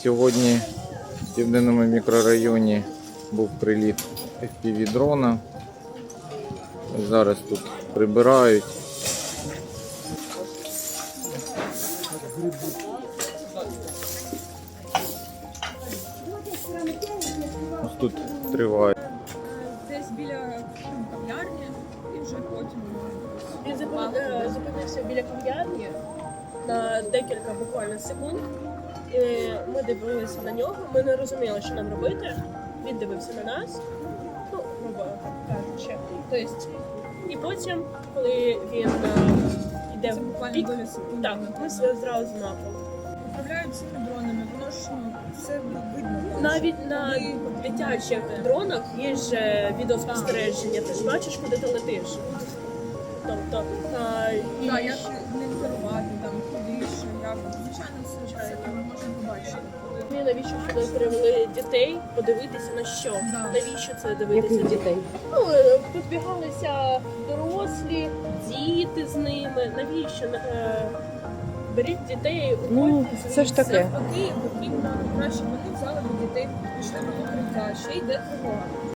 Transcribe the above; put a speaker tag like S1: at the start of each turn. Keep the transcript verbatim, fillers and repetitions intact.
S1: Сьогодні в Південному мікрорайоні був приліт еф пі ві-дрона. Зараз тут прибирають. Ось тут триває.
S2: Десь біля кав'ярні і вже потім.
S3: Він зупин- е, зупинився біля кав'ярні на декілька буквально секунд. І ми дивилися на нього, ми не розуміли, що нам робити. Він дивився на нас, ну, грубо кажучи. Тобто, і потім, коли він е, йде
S2: Це
S3: в
S2: буквально
S3: бік,
S2: доля секунди.
S3: так, ми зразу на пол.
S2: Управляють цими дронами, воно ж ну, все видно.
S3: Навіть на дитячих дронах є ж е, відеоспостереження, ти ж бачиш, куди ти летиш. Тобто, а, і
S2: Так, як ним керувати, там, куди, що, як. Звичайно, все це ми можемо побачити.
S3: Ми навіщо сюди привели дітей подивитися на що?
S2: Да.
S3: Навіщо це дивитися?
S4: Яких дітей?
S3: Ну, е, позбігалися дорослі, діти з ними. Навіщо? Е, Беріть дітей,
S4: Ну,
S3: уходьте
S4: це ж
S3: звідси.
S4: таке.
S2: Навпаки, потрібно краще вони взяли б дітей, пішли до укриття, ще йде тривога.